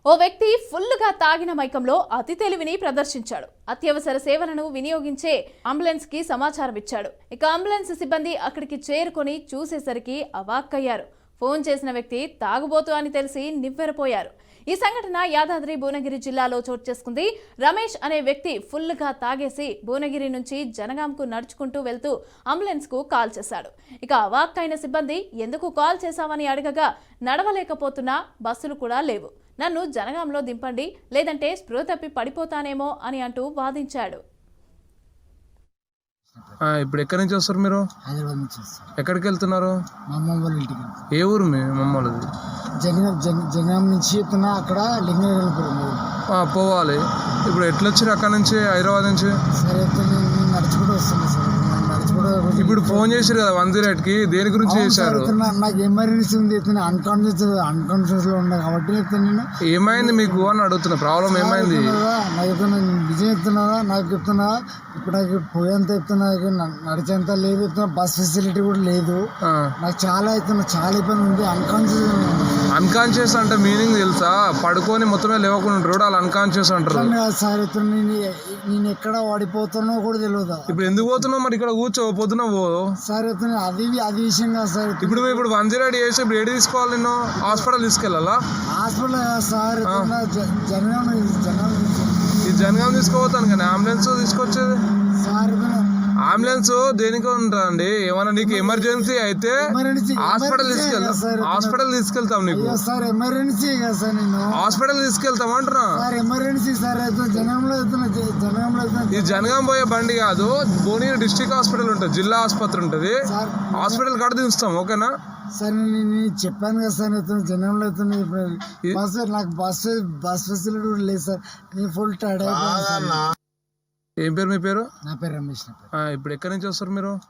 ఓ వ్యక్తి ఫుల్లుగా తాగిన మైకంలో అతి తెలివిని ప్రదర్శించాడు. అత్యవసర సేవలను వినియోగించే అంబులెన్స్ కి సమాచారం ఇచ్చాడు. ఇక అంబులెన్స్ సిబ్బంది అక్కడికి చేరుకొని చూసేసరికి అవాక్కయ్యారు. ఫోన్ చేసిన వ్యక్తి తాగుబోతు అని తెలిసి నివ్వెరపోయారు. ఈ సంఘటన యాదాద్రి భువనగిరి జిల్లాలో చోటు చేసుకుంది. రమేష్ అనే వ్యక్తి ఫుల్లుగా తాగేసి భువనగిరి నుంచి జనగాంకు నడుచుకుంటూ వెళ్తూ అంబులెన్స్ కు కాల్ చేశాడు. ఇక అవాక్కైన సిబ్బంది ఎందుకు కాల్ చేశావని అడగగా, నడవలేకపోతున్నా, బస్సులు కూడా లేవు, నన్ను జనగాంలో దింపండి, లేదంటే స్పృహ తప్పి పడిపోతానేమో అని అంటూ వాదించాడు. ఇప్పుడు ఎక్కడి నుంచి వస్తారు మీరు? హైదరాబాద్ నుంచి వస్తారు. ఎక్కడికి వెళ్తున్నారు? మా అమ్మ వాళ్ళ ఇంటికి. ఏ ఊరు మీ మమ్మల్ది? జనగాం నుంచి చెప్తున్నా, అక్కడ లింగనగరం పోవాలి. ఇప్పుడు ఎట్లా వచ్చారు అక్కడ నుంచి, హైదరాబాద్ నుంచి? సరే నేను నడుచుకుంటూ వస్తున్నా సార్. ఇప్పుడు ఫోన్ చేశారు కదా 108కి, దేని గురించి చేశారు? నాకు ఎమర్జెన్సీ ఉంది, అన్కాన్షియస్ లో ఉన్నా కాబట్టి నేను ఏమైంది మీకు అని అడుగుతున్నా. ప్రాబ్లం ఏమైంది? నాకు నిజం చెప్తున్నావా? నాకు చెప్తున్నావా? ఇప్పుడు నాకు పోయేంత చెప్తున్నా, నడిచేంత లేదు చెప్తున్నా, బస్ ఫెసిలిటీ కూడా లేదు. నాకు చాలా చాలా ఇబ్బంది ఉంది. అన్కాన్షియస్ అంటే మీనింగ్ తెలుసా? పడుకొని మొత్తమే లేవకుండా ఉంటారు, వాళ్ళు అన్కాన్షియస్ అంటారు. సార్ నేను ఎక్కడ వాడిపోతానో కూడా తెలియదు. ఇప్పుడు ఎందుకు పోతున్నావు మరి? ఇక్కడ కూర్చో, పొద్దున పో సార్. అది విషయం కాదు సార్. ఇప్పుడు 108 చేసి ఇప్పుడు ఏడు తీసుకోవాలి? నేను హాస్పిటల్ తీసుకెళ్ళాలా? హాస్పిటల్ సార్, జనగాం తీసుకోపోతాను కానీ అంబులెన్స్ తీసుకొచ్చేది సార్. అంబులెన్స్ దేనికి ఉంటుందండి? ఏమన్నా నీకు ఎమర్జెన్సీ అయితే హాస్పిటల్ తీసుకెళ్తాం. నీకు సార్ ఎమర్జెన్సీ కదా సార్, నేను హాస్పిటల్ తీసుకెళ్తాం అంటున్నా. Sir emergency sir. జనగాంలో ఈ జనగాం పోయే బండి కాదు, భువనగిరి డిస్ట్రిక్ట్ హాస్పిటల్ ఉంటుంది, జిల్లా ఆసుపత్రి ఉంటుంది, హాస్పిటల్ కాడ దించుతాం. ఓకేనా సార్? నేను చెప్పాను కదా సార్, జనంలో బస్ నాకు బస్ ఫెసిలిటీ కూడా లేదు సార్. నేను ఫుల్ టైర్డ్ అయిపోయాను. ఏం పేరు మీ పేరు? నా పేరు రమేష్. ఇప్పుడు ఎక్కడి నుంచి వస్తారు మీరు?